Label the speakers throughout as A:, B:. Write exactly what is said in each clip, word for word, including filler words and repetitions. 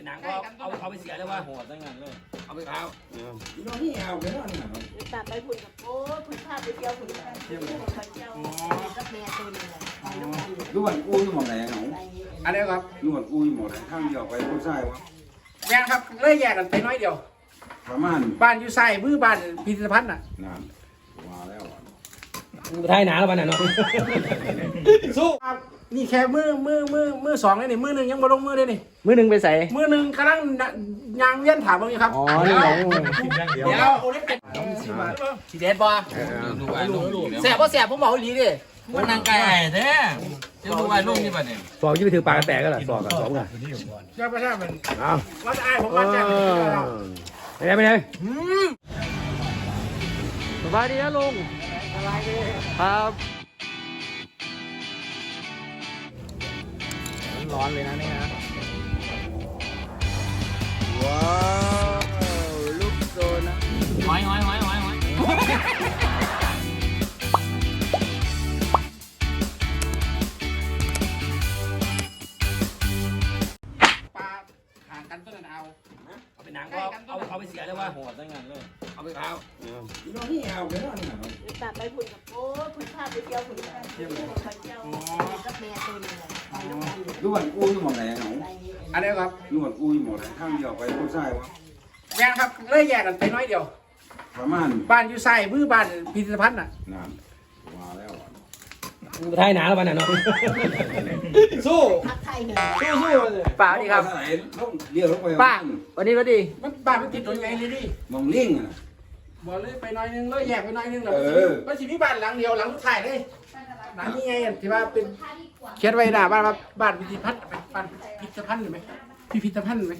A: หนังก็เอาเอาไปเสียเลยว่า
B: โหดได้งานเลย
A: เอาไปเท้า
C: น้องนี่เอาไปแล้วนี่ครับ
D: ตัดไปพุ่นกับโอ้พุ่นพาไปเที่ยวพุ่นไปเที่ยวไปเที่ยวกับแม่ตัวนึงเลยไปน้ำกัน
C: ดูวันกูอยู่หมองไหนเหรอ
A: อันนี้ครับ
C: ดูวันกูอยู่หมองไหนข้างเดียวไปผู้ชายวะ
A: แม่ครับเลยแยกกันไปน้อยเดียว
C: ประมาณ
A: บ้านอยู่ไส้มือบ้านพิพิธภัณฑ์น่ะ
C: นานมาแล้ว
B: ไทยหนาแล้วมันน่ะเนาะ
A: สู้ครับนี่แค่มือมือมือมือสองเลยนี่มือหนึ่งยังบ่ลงมือเลยนี่
B: มือหนึ่งไปใส่
A: มือหนึ่งกำลังยางเวียนถามว่าไงครับ
B: อ๋อนี่ไง
A: เดี๋ยวสีเด็ดบ่แสบบ่แสบผมบอกอีหลีดิ
E: มันนางไก่แท้จะดูว่าลูกนี่ป่ะเนี่ย
B: สองยี่ไปถือปากกระแตกก็ล่ะสองกับสองกัน
A: ใช่ปะใช่มัน
B: เอา
A: ว่าจะอายผม
B: เอ
A: ว่าจะ
B: อไปไหนไปไหนสบายดีนะลุงสบายดีครับร้อนเลยนะนี่นะว้าวลูกโซนนะ
E: หอยหอยหอยหอยหอย
A: ปลาห่างกันต้นนั้นเอาเอาไปหนังก็เอาเอาไปเสียเลยว่า
B: โหดได้งานเลย
A: เอาไปเท้า
C: น้องนี่เอาไปแล้วนี่ครับ
D: ตัดไปพุ่นกับโอ้พุ่นพาไปเที่ยวพุ่นไปเที่ยวไปเที่ยวกับแม่ตัวนึงเลยไปน้ำกัน
C: ดูวันกูอยู่หมองไหนเหรอ
A: อันนี้ครับ
C: ดูวันกูอยู่หมองไหนข้างเดียวไปผู้ชายวะ
A: แม่ครับเลยแยกกันไปน้อยเดียว
C: ประมาณ
A: บ้านอยู่ไส้มือบ้านพิพิธภัณฑ์น่ะ
C: นานมาแล้ว
B: ไทยหนาแล้วมันน่ะเนาะสู้
D: พักไทยเนี่ย
B: สู้สู้เลยป้าดีครับ
C: เรียกลงไป
B: ป้าวันนี้วันดี
A: มันบ้านมันติดถนนไงเลยดิ
C: มองลิงอ่ะ
A: บอกเลยไปน้อยนึงเลยแยกไปน้อยนึงแล้ว
C: เออ
A: มันสิมีบ้านหลังเดียวหลังสุดท้ายเลยหลังนี้ไงที่ว่าเป็นเขียนไว้หน้าบ้านว่าบ้านพิพิธภัณฑ์บ้านพิพิธภัณฑ์หรือไหมพิพิธภัณฑ์ไหม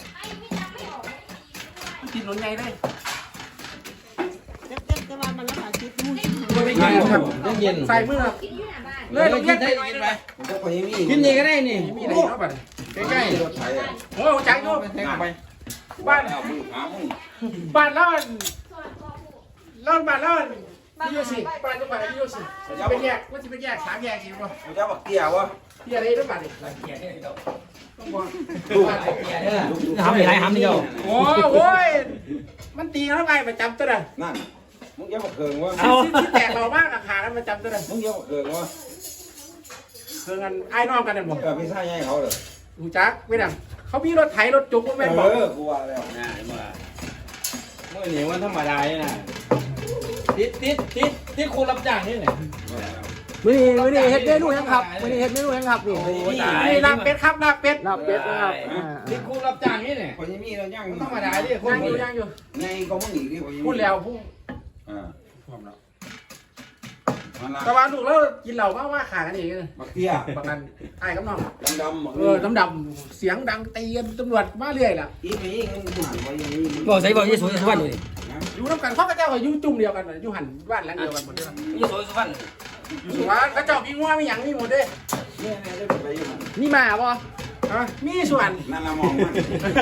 A: ติดถนนไงเลย
D: เต็มเต็มแต่ว่ามันแล้วค่ะคิดมูสิ
A: ไม่เย็นครับ
B: เย็น
A: ใส่มือครับเลยลงเย็นไปหน่อยนึง
C: มันจะไปยังมี
B: กินนี่ก็ได้นี่
A: มีอะไรเนาะบ้านใกล้
C: รถไถอ่ะ
A: ๆโอ้จังอยู่
C: แทงไป
A: บ้าน
C: เอามือหามึง
A: บ้านแล้วเล่าบ้านแล้วพี่โยสิบ้านทุกบ้านพี่โยสิจะเป็นแยกว่าจะเป็นแยกสามแยกสิบ่
C: มันจะบักเตี้ยวะ
A: พี่อะไรทุกบ้านนี่ต้องบอก
B: ทำอะไรทำนี่เดียว
A: โอ้โว้ยมันตีแล้วไงประจำตัวน่ะ
C: นั่นมึงจะบักเคิงวะ
A: ที่แตกเรามากอะขาแล้วประจำตัวน่ะ
C: มึงจะบักเคิงวะ
A: คือกันไอ้น้องกันเนี่ยบอก
C: เออพี่ชายให้เขาเลย
A: หูจักไม่ดังเขามีรถไถรถจุกก็
C: เอ
A: แม่นบอก
C: อกูว่าแล้ว
B: น่าเมื่อเมื่อนี้วันธรรมดาเนี่ยนะติดติดติดติดคนรับจ้างนี่ไหนมื่อนี้มื่อนี้เฮ็ดเมนูยังครับมื่อนี้เฮ็ดเมนูยังครับนี่
A: นี่ลาบเป็ดครับลาบเป็ด
B: ลาบเป็ดนะครับติดคนรับจ้างนี่เนี่ย
C: คนยังมีเราย่าง
B: ธรรมดาดิคน
A: ย่างอยู่ย่างอยู่
C: ไงก็มึงอีกดิคนยังมี
A: พูดแล้วพูด
C: อ่า
A: พร้อมแล้ว
C: มันละ
A: แต่ว่าลูกเรากินเหล้าว่าว่าขากันเองเลย
C: บักเตี้ย
A: บางกันไอ้กับน้อง
C: ดำดำ
A: เออดำดำเสียงดังตีกันตำรวจมาเรื่อยล่ะ
C: อีกอีกมึงหันไว้ยังมี
B: บอกใส่บอกยี่สุสุวรรณดูดิ
A: อยู่น้ำกันเขาก็เจ้าก็อยู่จุ่มเดียวกันอยู่หันบ้านหลังเดียวกันหมดเลย
B: ยี่สุสุวรรณ
A: อยู่สุวรรณเขาเจ้ามีงัวมีหยังมีหมดเลย
C: เนี่ยเนี่ยได้ไปยัง
B: นี่มาบ่
A: ฮะมีส่วน
C: นั่นละมองมัน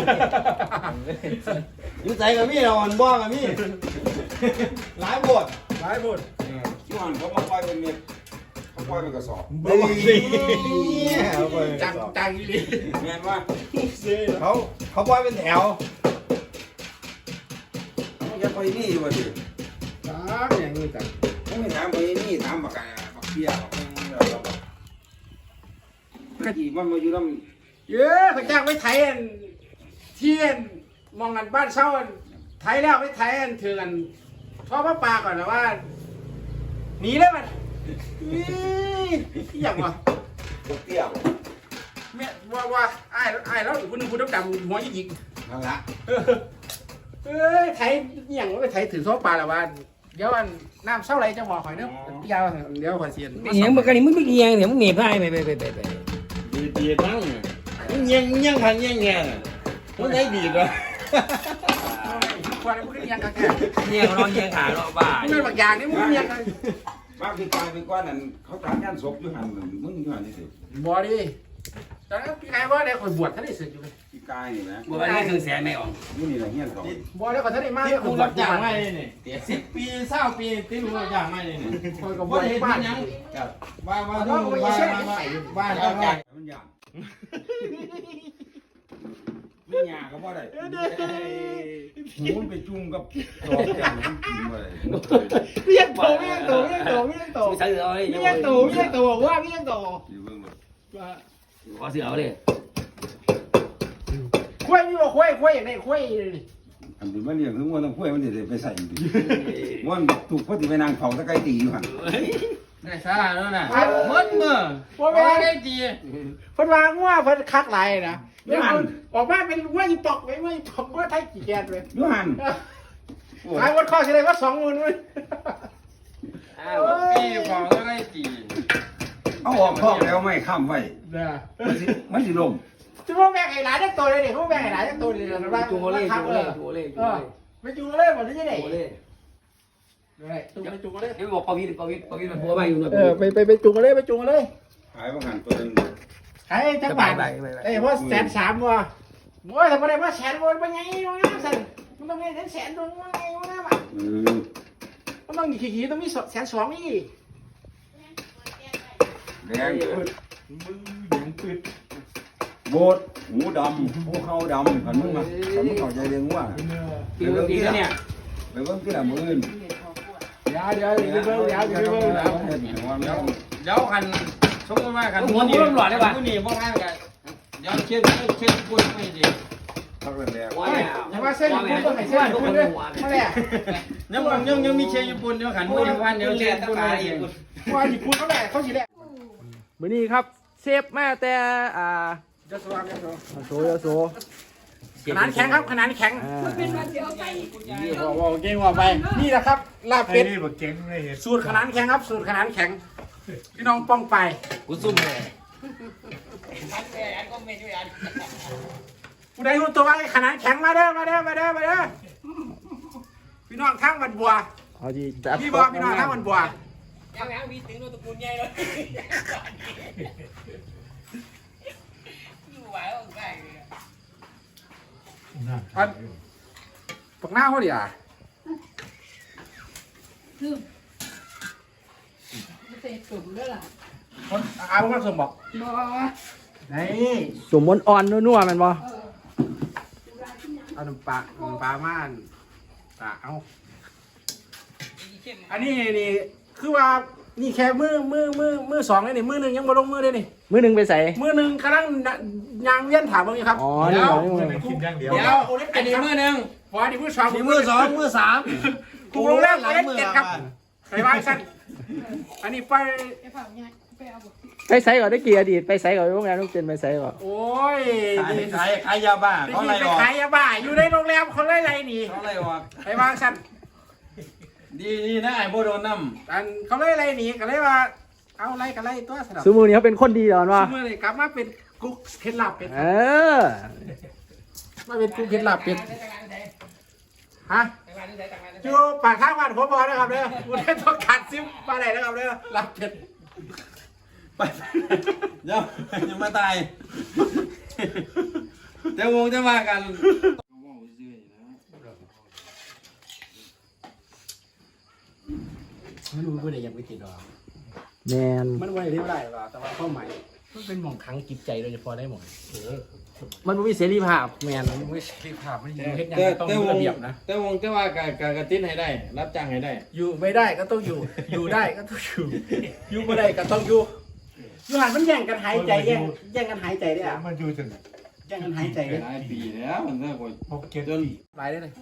B: อยู่ใจกับมี่เราอ่อนบ้องกับมี่หลายบท
A: หลายหมด
C: ที่หันเขามาปล่อยเป็นเม็ดเขาปล่อยเป็นกระสอบ
A: จังจังอีหลี
C: เห็นว่า
B: เขาเขาปล่อยเป็นแถว
C: เขาจะไปนี่อยู่วะดิ
A: จังอย่างนี้จัง
C: เขาไม่ถามไปนี่ถามบักไก่บักเตี้ยบักอะไรบักกะจีมันมาอยู่ลำ
A: เยอะเขาจ้างไปไทยอันเที่ยนมองกันบ้านเช่าอันไทยแล้วไปไทยอันถือกันท่อพระปลาก่อนนะว่าหนีเลยมันนี่อย่างวะ
C: บักเตี้ย
A: แม่ว่าว่าไอ้ไอ้แล้วคุณนึงคุณดำดำหัวยิก
C: นั่นละ
A: เอ้ยไทยอย่างว่าไปไทยถือท่อปลาละวันเดี๋ยวอันน้ำเศร้าไรจะหมอข่อยเนาะยาวเดี๋ยวข่อยเสียน
B: เหียงมันกันนี่มึงไม่เหียงเนี่ยมึงหนีบได้ไปไปไปไปไป
E: ดีดีตั้งมึงยังยังพันยังแง่มึงได้ดีด้วย
A: ควายมึงยังกันแค่
B: เหียงเขานอนเหียงขาเนาะบ้า
A: มึงเป็นบางอย่างนี่มึงยังกัน
C: บ้าพี่กายเป็นก้อนนั่นเขาตามย่านศพอยู่หันมึงอยู่หันนี่สิ
A: บอดี้แต่พี่ไงว่าได้ข่อยบวชท่านได้สึกอยู่เลย
C: พี่กายนี่นะ
B: บัวนี่คือแสนไม่ออก
C: นี่นี่แหละเฮียนเขา
A: บอดี้ข่อยท่านได้มาก
E: ที่กูรับจ้างไม่เลยนี่สิบปีเศร้าปีที่กูรับจ้างไม่เลยนี่
A: ข่อยกับบ
E: บ่
A: วช
E: ได้เห็น
A: บ้าน
E: ยังว่าว่าว่าว่าว่าว่าว่า
C: มันยาก
E: มึง
C: หญ้าก็บ่ได้หูมันไปจุ่มกับดอกแก้วมันกินบ่ได้
A: เรียกโตเรียกโตเรียกโตเรียกโต
B: ใส่เอาเลย
A: เรียกโตเรียกโตบอกว่าเรียกโต
C: อยู่เบิ่งบ่
B: ขอเสือเอาเลย
A: คุ้ยนี่บอกคุ้ยคุ้ยอย่างไรคุ้ย
C: อันนี้มันเรียกถึงว่าต้องคุยมันสิได้ไปใส่ดิมันถูกพอสิไปนั่งเฝ้าตะไคร้ตีอยู่หั่น
B: ได้ซะแล้วน่ะหมดมือ
A: ว่าแม่
B: ได้จี
A: เพิ่นวางว่าเพิ่นคักหลายนะออกมาเป็นว่าอีปอกไว้ว่าอีปอกว่าไทยกี่แกนเลย
C: อยู่หั่น
A: ขายวันข้อสิได้ว่าสองหมื่นเว้ย
B: อ้าวพี่บอกแล้วได้จี
C: เอาออกท้องแล้วไม่ค้ำไว้
A: นะ
C: มันสิมันสิล่ม
A: จะพวกแม่ไอ้หลานจักตัวเลยเนี่ยพวกแม่ไอ้หลานจักตัวเลยนะว่า
B: จูเล่
A: คัก
B: จู
A: เล
B: เล่
A: ย
B: จูเล่
A: เออไปจูเลยหมดที่ไหน
B: จูเล่
A: ได้จูไปจูเลย
B: เดี๋ยวบอกปวิทปวิทปวิทมันพัวไปอยู่นะ
A: เออไปไปไปจูเลยไปจูเลย
C: ขายบ่หันตัวนึง
A: ขายจักบาทเอ้ยว่าแสนสามว่ะโอ้ยทำไมได้ว่าแสนวันเป็นไงวะสั่นมันต้องเงินแสนตัวว่าไงวะนะ
C: เออ
A: มันต้องขี่ขี่ต้องมีแสนสองนี่
C: แดงโบดหูดำหูเขาดำขันมึงมาขันมึงเข้าใจเรื่องว่า
B: ปีนปีนเนี่ย
C: ไปเบิ่งที่ละมื้ออื่น
A: เดี๋ยวเดี๋ยวเดี๋ยวเดี๋ยวเดี๋ยวเดี๋ยวเดี๋ยวเดี๋ยว
C: เฮ็ดให้ว่ามัน
B: เดี๋ยวคันสมมติว่าคันหัวมันหลอดได้ป่ะผู้นี่บ่ง่ายกันเดี๋ยวเช็ดเช็ดปุ่นไม่ดี
C: พักแรก
B: ว้า
A: อย่าว่าเส้นญี่ปุ่นต้องให้เส้นญี่ปุ่นด้วยมาเลย
B: ยังยังยังมีเช็ดญี่ปุ่นเดี๋ยวขันมือวันเดี๋ยวเช็ดปุ่นมาเอง
A: ว่าญี่ปุ่นเขาแหละเขาสิแหละ
F: มื้อนี้ครับเซฟมาแต่อ่า
A: จะสว่างจะสว่าง
F: โซยโซ
A: ขนาดแข็งครับขนาดแข็ง
F: อ่า
A: บอกบอกเก่งว่าไปนี่แหละครับลาบเป็ด
E: นี่บอกเก่งเลยเห็น
A: สูตรขนาดแข็งครับสูตรขนาดแข็งพี่น้องป้องไป
B: กูซุ่มเลย
A: ผู้ใดรู้ตัวว่าขนาดแข็งมาเด้อมาเด้อมาเด้อมาเด้อพี่น้องข้างวันบัว
F: เอาดีจัด
A: พี่บอกพี่น้องข้างวันบัว
B: ยังยังมีถึงโนตระกูลใหญ่เลยอยู่ไหวอ่ะใกล้
A: อันปากหน้าเขาดิอ่ะ
D: เตะตุ่มด้วยล่ะ
A: คนอาบุญสมบอก
D: บ่
A: นี่
F: สมมติอ่อนนัวๆแมันบ่
A: เอาหนุ่มปลาหนุ่มปลาม่านปลาเอาอันนี้นี่คือว่านี่แค่มือมือมือมือสองเลยนี่มือหนึ่งยังบ่ลงมือเลยนี่
F: มื้อหนึงไปใส่
A: มือหนึ่งกำลังยางเวียนถามเบิ่งอยู่ครับ
F: อ๋อนี่เหรอนี่เหรอ
E: กินอย่างเดียว
B: เดี๋ยวอันนี้มือหนึ่ง
A: พอดีมือสอง
B: นี่มือสองมือสาม
A: ถูกลงแล้วเล่นเจ็ดครับไปวางสั้นอันนี้ไป
D: ไปเผาเนี่ยไปเอาบ่
F: ไปใส่ก่อนได้กี่อดีตไปใส่ก่อนโรงแรมต้องเต็นไปใส่ก่อน
A: โอ้ย
B: ขายขายขายยาบ้า
A: ไป
B: เขาอะไร
A: ไป
B: ออก
A: ขายยาบ้าอยู่ในโรงแรมเขาไล่ไรหนี
B: เขาอะไรออก
A: ไปวางสั้น
B: ดีดีนะไอ้โบโดนน้
A: อันเขาไล่ไรหนีก็เลยว่าเอาไรก็ไล่ตัวสนับ
F: ซูมือนี้เขาเป็นคนดีตอนว่า
A: เมื่อไรกลับมาเป็นกุ๊กเพชรลาบเป็ด
F: เออ
A: มาเป็นกุ๊กเพชรลาบเป็ดฮะอยู่ปากข้างบ้านผมบอกนะครับเด้อคุณได้ต้องการซิมมาไหนนะครับเด้อลาบเป็ด
B: ำไปเดี๋ยวยังมาตายเดี๋ยววงจะมากัน
A: ไม่รู้ว่าได้ยังไม่ติดหรอ
F: แมน
A: มันไว้ที่ไรหรอแต่ว่าเป้าหมายมันเป็นหม่องครั้งจิตใจโดยเฉพาะได้หมด
F: มันบ่มีเสรีภาพ
A: แมนมันไม่ใช่ภาพมันอยู่เฮ็ดยัง
B: แต่
A: ไงต้อง
B: แต่
A: มี
B: ว
A: ระ
B: ง
A: เบียบนะ
B: แต่วงจะว่าการการกระติ้นให้ได้ รับจ้างให้ได้
A: อยู่ไม่ได้ก็ต้องอยู่ อยู่ได้ก็ต้องอยู่ อยู่ไม่ได้ก็ต้องอยู่อยู่หันมันแย่งกันหายใจแย่งแย่งกันหายใจได้อะ
E: มันอยู่จน
A: แย่งกันหายใจได้
B: หลายปีแล้วมันก็คน
E: หกเจ็ด
B: จน
A: หลายได้เลย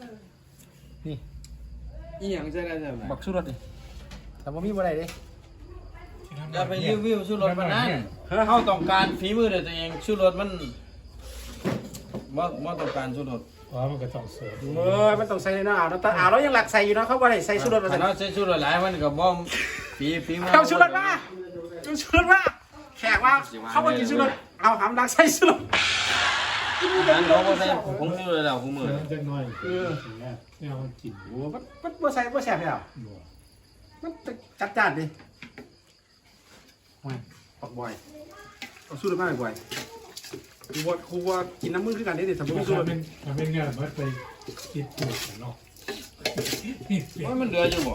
B: อีหยังใช่ได้ใช่ไหม
A: บักสู้รถดิแต่ว่ามีบ่ได้ดิ
B: อย่าไปรีวิวชูรถมันนั่นเขาต้องการฝีมือเดี๋ยวตัวเองชูรถมันว่าว่าต้องการชูรถ
E: อ๋อมันก็ต้องเสิร์ฟ
A: เออมันต้องใส่ในน้ำอ่าวแต่อ่าวเรายังหลักใส่อยู่เนาะเขาบ่ได้ใส่สู้รถมา
B: ถ้า
A: ใส่
B: เราใช้ชูรถหลายมันก็บ่มฝีฝีมือ
A: เอาสู้รถมาเอาสู้รถมาแขกว่าเขาบ่กินสู้รถเอาหำดักใส่สู้รถ
B: อันเขาบ่ใช้ผงชูรถแล้วผู้มือ
E: จังน้อยเออเนี่ยมันกิน
A: โอ้มันมันบ่ใส่บ่แซ่บแล้วมันจัดจ้านดิโอ้ยปักบ่อยเอาสู้รถมาบ่อยครูว่าครูว่ากินน้ำมือคือกันเด้ดิสมมุติ
E: มัน
A: สู้รถ
E: เป็นมันเป็นเงี้ยมันไปกินปูดเนาะ
B: ว่ามันเหลืออยู่บ่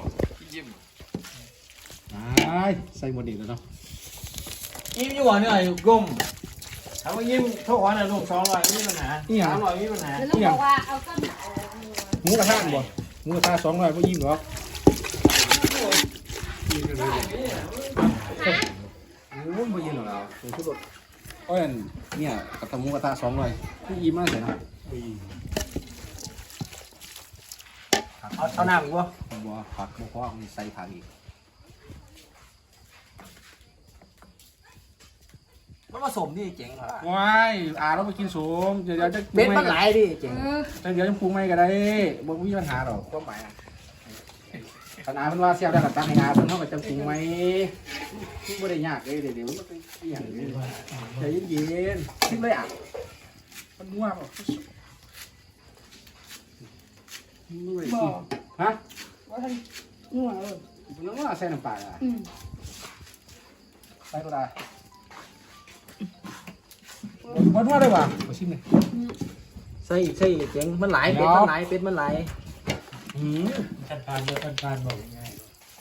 A: ใส่หมดอีกแล้วเนาะ
B: อิ่มอยู่บ่เนี่ยอยู่กลมเอามายิ้มโทษขอหน่อยลูกสองร้อยมีปัญหาสามร้อยมีปัญหา
D: แล้วลูกบอกว่าเอาต้น
A: หมูกระทะบ่หมูกระทะสองร้อยบ่ยิ้มหรอกโอ้ยบ่ยิ้มหรอกเราเป็นชุดรถโอ้ยเนี่ยกระทะหมูกระทะสองร้อยบ่ยิ้มมากเลยนะ
F: เอาเอาน้ำอีกบ่
A: บ่ผักบ่พอมีใส่ผักอีก
F: มันผสมนี่เจ๋งเหรอ
A: ว้ายอาเราไปกินสูงเดี๋ยวจะ
F: เบ็ดมันหลายดิเจ๋ง
A: เดี๋ยวจะปรุงไม่ก็ได้บ่มีปัญหาหรอกความหมายขนาดมันว่าเสียบได้กับตังให้อาเพิ่นเฮาก็จะปรุงไหมบ่ได้ยากเลยเดี๋ยวเดี๋ยวมันเป็นอหย่างนี้ใจเย็นๆคิดเลยอ่ะมันงัวบ่บ่ฮะ
D: ว่าท่านงัวเออ
A: มันงัวใส่น้ำปลาอ่ะ
D: อืม
A: ใส่ก็ได้บ่นัวได้บ่บ่ชิมนี่
F: ใส่ใส่เจ๋งมันหลายเป็ดมันหลายเป็ดมันหลาย
A: หืม
B: กันพานเดียวกันพานบอกง่าย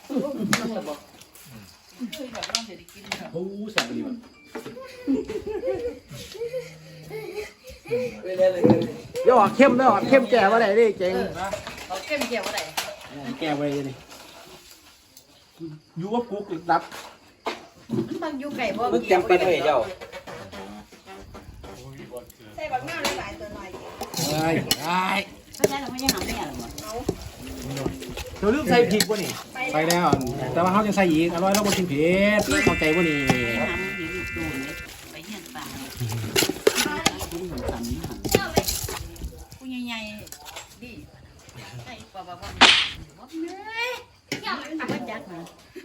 A: โอ้แซ่บดีว่ะ
F: อย่าออกเข้มเด้อออกเข้มแก่บ่ได้ดิเจ๋ง
D: เขาเข้มเกี่ยวอะไร
A: แก้ไว้นี่อยู่ว่ากุ๊กดับ
D: มันอยู่ไก่บ่
B: มึงเตรียมไปด้วยเจ้า
D: ใส่บักหน้าหลายตัวหน่อย
A: เอ้ยไอ้
D: เพราะฉะนั้นเราไม่ได้หาแม่หรอก
F: เดี๋ยวลืมใส่พริกบ่นี่
A: ไปแล้ว แต่ว่าเขาจะใส่อีกอร่อยแล้วบ่กินเผ็ดเข้าใจบ่นี่
D: หามันอยู่ตูนเลยไปเฮียนป่าผู้ใหญ่ๆดิใส่ปลาปลาปลาบอกเนื้อเจ้ามันจักนะ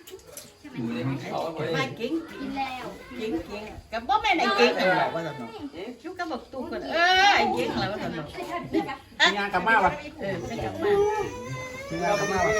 D: มาเก่งกินแล้วเก่งเก่งกับบ่แม่ไหนเก่งเลยว่าซั่นเนาะชุกกับบักตู้กันเอ้ยเก่งแล้วว่าซั่นเนาะ
A: มีงานกลับมาป่ะ
D: เออไปกลับมา
A: มีงานกลับมาป่ะ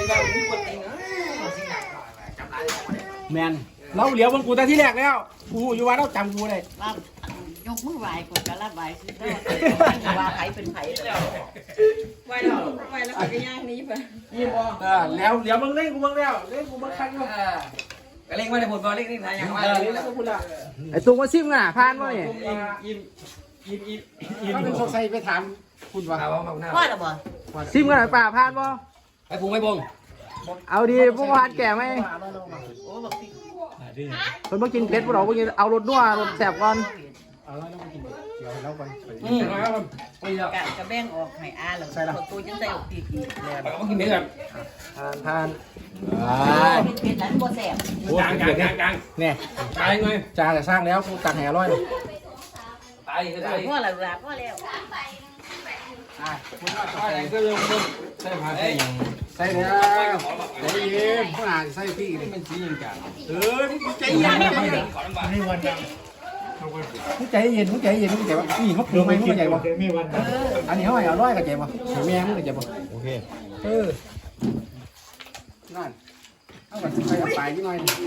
A: แมนเราเหลียวเบิ่งกูแต่ที่แรกแล้วกูอยู่ว่าเราจำกูได้
D: ว่ายกมือไหว้คนก็รับไหว้คือก็ว่าไผเป็นไผแล้วไหว้แล้วไหว้แล้วก็ย่างนี้ไป
A: ยิ้มบ่เออแล้วเหลียวเบิ่งเล่นกูเบิ่งแล้วเล่นกูเบิ่งคันอยู่
B: ก็เล่งมาในผลบอลเล่งนี่ทายอย่างว่า
A: เออเล่นแล้วกูละ
F: ไอ้ตุ้งมาซิมกันน่ะผ่านบ่นี่
B: ยิ้มยิ้มยิ้มยิ้ม
A: ถ้าเป็นสงสัยไปถามคุณว่า
B: เอาเอาหน้า
D: ว่าหรอบ่
F: ซิมกันน่ะป่าผ่านบ่
B: ไปพุงไม่บง
F: เอาดีพวกผ่านแก่ไหม
D: โอ้บอกสิ
F: เพิ่นบ่กินเผ็ดบ่ดอกบ่กินเอารสนัวรสแซ่บก่อน
A: เอาแล้วมากินเดี๋ยวเราไป
B: อืมครับไปแล้ว
D: กะกะแบ่งออกให้อาแล้วตัวจังใส่ออกตีกีแล้ว
B: ไปก็กินเนื้อ
F: ผ่านผ่าน
D: เป็นเป็นนั้นบ่แซ่บ
B: กลางกลางกลางกลาง
A: เนี่ย
B: ตายไง
A: จานแต่สร้างแล้วกูตักแห่อร่อยเลย
B: ตายก็ตาย
D: พ่อละลาพ่อแล้ว
A: อ่ะ
B: ตายก็ยังมึงใช่ไหมใช่ยัง
A: ใส่แล้วใจเย็นผู้อ่านใส่พี่นี่
B: มันสียังกลาง
A: เออใจเย็นใจเย็น
B: ขอลำบากนี่วันยัง
A: ใจเย็นใจเย็นใจว่านี่เขาปรุงไหมมึงใจบ่อันนี้เขาให้อร่อยกับใจบ่แม่มึงกับใจบ่
E: โอเค
A: เออนั่นเอาไปใส่ไปนิดหน่อยนั่น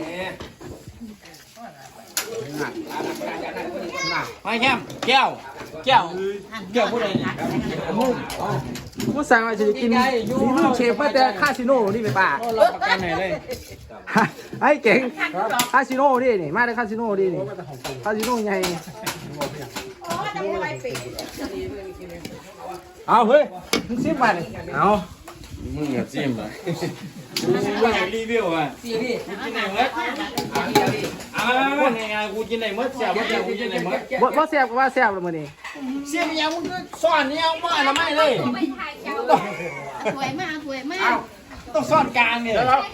A: นั่น
B: ไปแคมแก้วแก้วแก้วผู้ใดเนี่ย
F: กูสั่งว่าสิกินสีมือเชฟมาแต่คาสิโนนี่ไปป่า
B: รับประกันไหนเลย
F: ไอ้เก่งคาสิโนนี่นี่มาได้คาสิโนนี่นี่คาสิโนใหญ่
D: อ๋อจะไม่ไหวปี
A: เอาเฮ้ยมึงซิมไปเลย
F: เอา
E: มึงอย่าจิ้มอ่ะ
B: ว่าอยากรีวิวอ่ะกูกินไหนมดอ่าไงไงกูกินไหนมดเสียบเสียบกูกินไหนมด
F: บ่บ่แซ่บก็ว่าแซ่บแล้วมื้อนี้
B: เสียบยังมึงก็ซ่อนนี่เอามาละไม่เลย
D: สวยมากสวยมาก
B: ต้องซ่อนกลางเนี่ย
A: เอา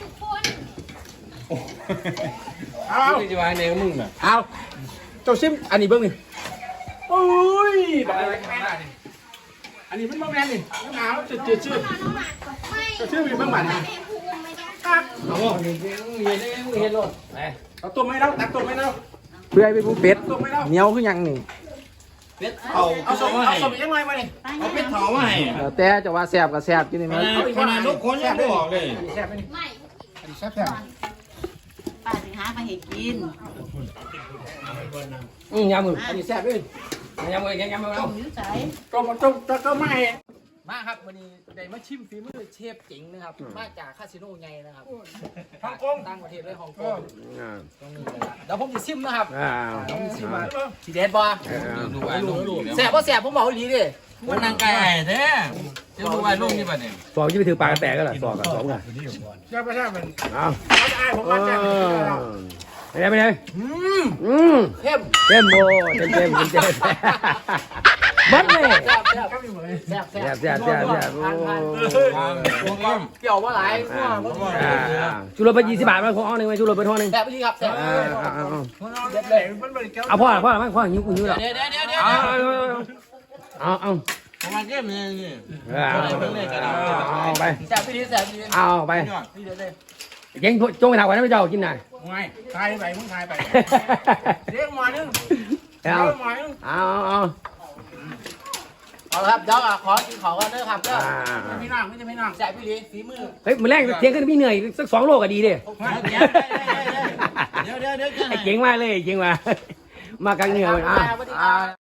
A: เอา
E: มึงจะวางในมึงน่ะ
A: เอาเจ้าซิมอันนี้เบิ้งนี่โอ้ยแบบอะไรอันนี้เป็นมะแมนนี่หนาวจืดจืดชื่อจะชื่อเป็นมะหมันครับ
B: โอ้ยเห็นได้มึงเห็นรถไป
A: เอาตัวไม่แล้วตักตัวไม่แล้ว
F: เพื่อให้เป็นผู้เป็ด
A: ตัวไม่แล้ว
F: เหนียวคือหยังนี่
B: เป็ดเผา
A: เอาสม
B: มา
A: เอา
B: ให้
A: สมยังไงมาเนี่ย
B: เอาเป็ดเผามาให้
F: แล้วแต่จะว่าแซ่บก็แซ่บกินนี่
B: ข
F: มัน
B: นาดขนาดลูกคนยังไม่ออกเลย
A: อันนี้แซ่บไหมนี่อันนี้แซ่บแซ่บ
D: ป้าถึงหามาให้กิน
B: อืมยำมือ
A: อันนี้แซ่บเลย
B: ยำมือยังยำมือ
D: ต้
B: เอา
D: มนิ้วใส
A: ก็มาต้มก็ไม่
B: ไป
F: มาครับวันนี้ได้มาชิมฝีมือเชฟเจ๋งนะครับมาจากคาสิโนไงนะครับฮ่องกงต่างประเทศเลยฮ่องกงตรงนี้นะครับเดี๋ยวผมจะชิมนะครับ
E: อ่า
F: เดี๋ยวผมจะชิมว่าสีเด็ดบ่
B: ดูไอ้ลูกดู
F: แสบบ่แสบผมบอกอีหลีดิ
B: มันนางไก่ไอ้แท้จะดูไอ้ลูกนี่ป่ะเนี่ย
E: สองที่ไปถือปลากระแตกก็ล่ะสองกับสองกัน
A: ใช่ไม่ใช่มัน
E: เอา
A: เขาจะอายผม
E: เอ
A: มาแจ้ง
E: อไปไหนไปไหน
F: อืม
E: อืม
F: เข้ม
E: เต็มโบเต็มเต็มเต็มเต็มบัดเลย
F: แซ่บแซ่บแซ่บแซ่บ
E: แซ่บแซ่บแซ่บแซ่บโอ้
B: ตัวก้ม
F: เปรี้ยวว่าหลายนัวบ่
E: อ่าอ่าชูรสไปยี่สิบบาทมาขอเอาหนึ่งไปชูรสไปท่อหนึ่ง
F: แซ่บอีหลีครับแซ่บ
E: อ่าอ่าอ่า
F: เด็ดเลย
E: เอาพ่อพ่อพ่อพ่อหิวหิวแล้ว
F: เดี๋ยวเดี๋ยวเดี๋ยวเดี๋ยว
E: เอาเอาเอา
B: ประมาณเกมนี่นี่
E: เอาเอาไป
F: แซ่บอีหลีแซ่บอีหลี
E: เอาไป
F: นี่เดี๋ยวเลย
E: เก่งจงไปถามก่อนนะไม่เจ้ากินหน่อย
A: ไม่ทายไปมึงทายไปเรียกมานึง
E: เอา
A: เรียกมานึง
E: เอาเอา
F: เอาละครับเดี๋ยวอ่ะขอกินของกันเด้อครับเด้อ
E: อ่า
A: ไม่นั่งไม่จะไม่นั่ง
F: แซ่บอีหลีฝีมือ
E: เฮ้ยมือแรกเที่ยงขึ้นพี่เหนื่อยสักสองโลก็ดีดิ
B: เดี๋ยวเดี๋ยวเดี๋ยว
E: ไอ้เก่งมากเลยเก่งมากมากันเหนื่อยอ่ะ